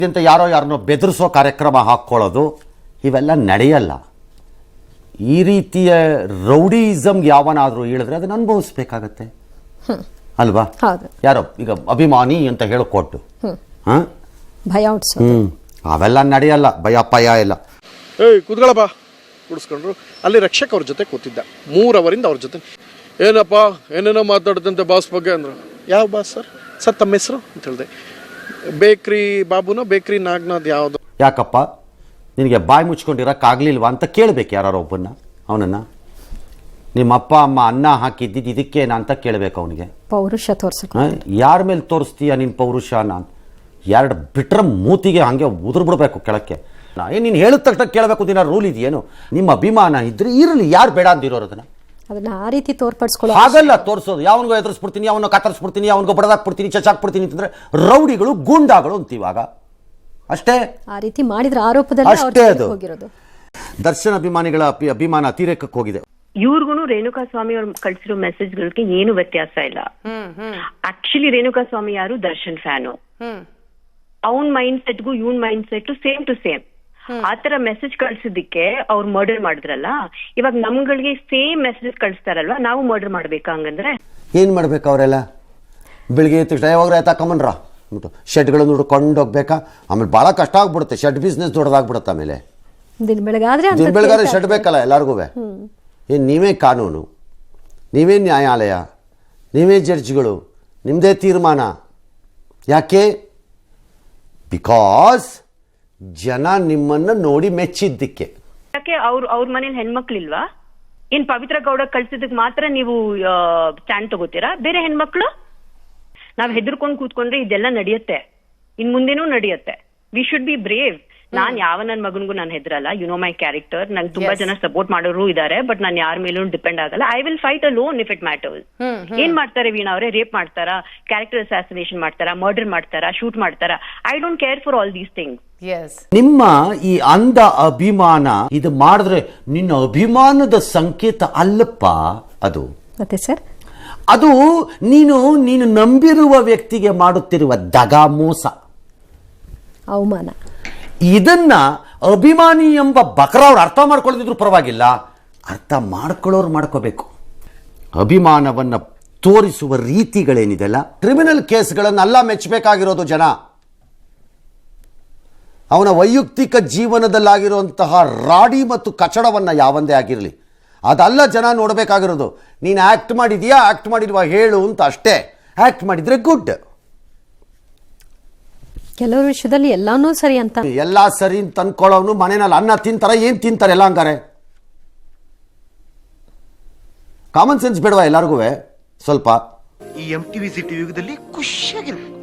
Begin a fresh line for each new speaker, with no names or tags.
ಅಂತ ಯಾರನ್ನೋ ಬೆದರಿಸೋ ಕಾರ್ಯಕ್ರಮ ಹಾಕ್ಕೊಳ್ಳೋದು ಇವೆಲ್ಲ ನಡೆಯಲ್ಲ. ಈ ರೀತಿಯ ರೌಡಿಸಮ್ ಯಾವನಾದರೂ ಹೇಳಿದ್ರೆ ಅದನ್ನು ಅನುಭವಿಸ್ಬೇಕಾಗತ್ತೆ ಅಲ್ವಾ? ಯಾರೋ ಈಗ ಅಭಿಮಾನಿ ಅಂತ ಹೇಳಿಕೊಟ್ಟು
ಭಯ
ಅವೆಲ್ಲ ನಡೆಯಲ್ಲ, ಭಯ ಪಯ ಇಲ್ಲ.
ಕೂತ್ಕೊಳ್ಳಪ್ಪ ಕುಡಿಸ್ಕೊಂಡ್ರು. ಅಲ್ಲಿ ರಕ್ಷಕ್ ಅವ್ರ ಜೊತೆ ಕೂತಿದ್ದ 3 ಅವರಿಂದ ಅವ್ರ ಜೊತೆ. ಏನಪ್ಪ ಏನೇನೋ ಮಾತಾಡ್ದಂತೆ ಬಾಸ್ ಬಗ್ಗೆ ಅಂದರು. ಯಾವ ಬಾಸ್ ಸರ್ ತಮ್ಮ ಹೆಸರು ಅಂತ ಹೇಳಿದೆ. ಬೇಕ್ರಿ ಬಾಬುನೋ ಬೇಕ್ರಿ ನಾಗನಾಥ್ ಯಾವುದು.
ಯಾಕಪ್ಪ ನಿನಗೆ ಬಾಯಿ ಮುಚ್ಕೊಂಡಿರೋಕ್ಕಾಗಲಿಲ್ವಾ ಅಂತ ಕೇಳಬೇಕು ಯಾರೋ ಒಬ್ಬನ್ನ. ಅವನನ್ನು ನಿಮ್ಮ ಅಪ್ಪ ಅಮ್ಮ ಅನ್ನ ಹಾಕಿದ್ದಿದ್ದು ಇದಕ್ಕೇನ ಅಂತ ಕೇಳಬೇಕು ಅವನಿಗೆ.
ಪೌರುಷ ತೋರಿಸಕ್ಕೆ
ಯಾರ ಮೇಲೆ ತೋರಿಸ್ತೀಯ ನಿನ್ನ ಪೌರುಷನ? 2 ಬಿಟ್ರೆ ಮೂತಿಗೆ ಹಾಗೆ ಉದುರು ಬಿಡಬೇಕು ಕೆಳಕ್ಕೆ. ನೀನು ಹೇಳಿದ ತಕ್ಷಣ ಕೇಳಬೇಕು ದಿನ ರೂಲ್ ಇದೆಯೇನು? ನಿಮ್ಮ ಅಭಿಮಾನ ಇದ್ರೆ ಇರಲಿ, ಯಾರು ಬೇಡ ಅಂದಿರೋರು
ಅದನ್ನ ಆ ರೀತಿ ತೋರ್ಪಡಿಸ್ಕೊಳ್ಳೋ
ಹಾಗಲ್ಲ ತೋರಿಸೋದು. ಯಾವನಿಗೋ ಎದುರಿಸ್ಬಿಡ್ತೀನಿ, ಅವನು ಕತ್ತರಿಸ್ಬಿಡ್ತೀನಿ, ಅವನಿಗೋ ಬಡದಾಕ್ಬಿಡ್ತೀನಿ, ಚಚಾಕ್ಬಿಡ್ತೀನಿ ಅಂತಂದ್ರೆ ರೌಡಿಗಳು ಗೂಂಡಾಗಳು ಅಂತೀವಾಗ ಅಷ್ಟೇ.
ಆ ರೀತಿ ಮಾಡಿದ್ರ ಆರೋಪದಲ್ಲಿ
ಅಷ್ಟೇ ಅದು
ಹೋಗಿರೋದು.
ದರ್ಶನ್ ಅಭಿಮಾನಿಗಳ ಅಭಿಮಾನ ಅತಿರೇಕಕ್ಕೆ ಹೋಗಿದೆ.
ಇವ್ರಿಗೂ ರೇಣುಕಾ ಸ್ವಾಮಿ ಅವ್ರು ಕಳ್ಸಿರೋ ಮೆಸೇಜ್ಗಳಿಗೆ ಏನು ವ್ಯತ್ಯಾಸ ಇಲ್ಲ. ಆಕ್ಚುಲಿ ರೇಣುಕಾ ಸ್ವಾಮಿ ಯಾರು ದರ್ಶನ್ ಫ್ಯಾನು. ಅವನ್ ಮೈಂಡ್ ಸೆಟ್ಗೂ ಇವನ್ mind set same to same. ಆತರ ಮೆಸೇಜ್ ಕಳ್ಸಿದ್ದಕ್ಕೆ ಅವ್ರು ಮರ್ಡರ್ ಮಾಡಿದ್ರಲ್ಲ, ಇವಾಗ ನಮ್ಗಳಿಗೆ ಸೇಮ್ ಮೆಸೇಜ್ ಕಳಿಸ್ತಾರಲ್ವಾ, ನಾವು ಮರ್ಡರ್ ಮಾಡ್ಬೇಕಾ? ಹಂಗಂದ್ರೆ
ಏನ್ ಮಾಡ್ಬೇಕು ಅವರೆಲ್ಲ? ಬೆಳಿಗ್ಗೆ ತಕ್ಷಣ ಯಾವಾಗ ತಕೊಂಬನ್ರ ಶೆಡ್ಗಳನ್ನು ಹುಡ್ಕೊಂಡು ಹೋಗ್ಬೇಕಾ? ಆಮೇಲೆ ಭಾಳ ಕಷ್ಟ ಆಗ್ಬಿಡುತ್ತೆ. ಶೆಡ್ ಬಿಸ್ನೆಸ್ ದೊಡ್ಡದಾಗ್ಬಿಡುತ್ತೆ. ಆಮೇಲೆ ದಿನ ಬೆಳಗಾದ್ರೆ ಶೆಡ್ ಬೇಕಲ್ಲ ಎಲ್ಲರಿಗೂ. ಏನು ನೀವೇ ಕಾನೂನು, ನೀವೇ ನ್ಯಾಯಾಲಯ, ನೀವೇ ಜಡ್ಜ್ಗಳು, ನಿಮ್ಮದೇ ತೀರ್ಮಾನ. ಯಾಕೆ? ಬಿಕಾಸ್ ಜನ ನಿಮ್ಮನ್ನು ನೋಡಿ ಮೆಚ್ಚಿದ್ದಕ್ಕೆ.
ಯಾಕೆ ಅವ್ರ ಮನೇಲಿ ಹೆಣ್ಮಕ್ಳಿಲ್ವಾ? ಏನ್ ಪವಿತ್ರ ಗೌಡ ಕಳ್ಸಿದಕ್ ಮಾತ್ರ ನೀವು ಸ್ಟ್ಯಾಂಡ್ ತಗೋತೀರಾ? ಬೇರೆ ಹೆಣ್ಮಕ್ಳು ನಾವ್ ಹೆದರ್ಕೊಂಡ್ ಕೂತ್ಕೊಂಡ್ರೆ ಇದೆಲ್ಲ ನಡೆಯುತ್ತೆ, ಇನ್ ಮುಂದೆನೂ ನಡೆಯುತ್ತೆ. We should be brave. ನಾನ್ ಯಾವ ನನ್ ಮಗನ್ಗೂ ನಾನು ಹೆದರಲ್ಲ. You know my character. ನಂಗೆ ತುಂಬಾ ಜನ ಸಪೋರ್ಟ್ ಮಾಡೋರು ಇದಾರೆ, ಬಟ್ ನಾನು ಯಾರ ಮೇಲೂ ಡಿಪೆಂಡ್ ಆಗಲ್ಲ. I will fight alone if it matters. ಏನ್ ಮಾಡ್ತಾರೆ ವೀಣಾ ಅವರೇ? ರೇಪ್ ಮಾಡ್ತಾರಾ, ಕ್ಯಾರೆಕ್ಟರ್ ಅಸಾಸಿನೇಷನ್ ಮಾಡ್ತಾರಾ, ಮರ್ಡರ್ ಮಾಡ್ತಾರಾ, ಶೂಟ್ ಮಾಡ್ತಾರಾ? I don't care for all these things.
ನಿಮ್ಮ ಈ ಅಂಧ ಅಭಿಮಾನ ಇದು ಮಾಡಿದ್ರೆ ನಿನ್ನ ಅಭಿಮಾನದ ಸಂಕೇತ ಅಲ್ಲಪ್ಪ ಅದು.
ಮತ್ತೆ ಸರ್,
ಅದು ನೀನು ನಂಬಿರುವ ವ್ಯಕ್ತಿಗೆ ಮಾಡುತ್ತಿರುವ ದಗ, ಮೋಸ,
ಅವಮಾನ.
ಇದನ್ನ ಅಭಿಮಾನಿ ಎಂಬ ಬಕರ ಅವ್ರು ಅರ್ಥ ಮಾಡ್ಕೊಳ್ಳದಿದ್ರು ಪರವಾಗಿಲ್ಲ, ಅರ್ಥ ಮಾಡ್ಕೊಳ್ಳೋರು ಮಾಡ್ಕೋಬೇಕು. ಅಭಿಮಾನವನ್ನು ತೋರಿಸುವ ರೀತಿಗಳೇನಿದೆಲ್ಲ, ಕ್ರಿಮಿನಲ್ ಕೇಸ್ಗಳನ್ನೆಲ್ಲ ಮೆಚ್ಚಬೇಕಾಗಿರೋದು ಜನ. ಅವನ ವೈಯಕ್ತಿಕ ಜೀವನದಲ್ಲಾಗಿರುವಂತಹ ರಾಡಿ ಮತ್ತು ಕಚಡವನ್ನು ಯಾವಂದೇ ಆಗಿರಲಿ ಅದಲ್ಲ ಜನ ನೋಡಬೇಕಾಗಿರೋದು. ನೀನು ಆ್ಯಕ್ಟ್ ಮಾಡಿದೀಯಾ, ಆ್ಯಕ್ಟ್ ಮಾಡಿಲ್ವಾ ಹೇಳು ಅಂತ ಅಷ್ಟೇ. ಆ್ಯಕ್ಟ್ ಮಾಡಿದರೆ ಗುಡ್.
ಕೆಲವು ವಿಷಯದಲ್ಲಿ ಎಲ್ಲಾನು ಸರಿ ಅಂತ,
ಎಲ್ಲ ಸರಿ ಅಂತ ಅನ್ಕೊಳ್ಳೋನು ಮನೆಯಲ್ಲಿ ಅನ್ನ ತಿಂತಾರ, ಏನು ತಿಂತಾರೆ ಎಲ್ಲ ಹಂಗಾರೆ? ಕಾಮನ್ ಸೆನ್ಸ್ ಬೇಡವಾ ಎಲ್ಲರಿಗೂ ಸ್ವಲ್ಪ?
ಈ MTV ಸಿಟಿ ಯುಗದಲ್ಲಿ ಖುಷಿಯಾಗಿರ್ಬೇಕು.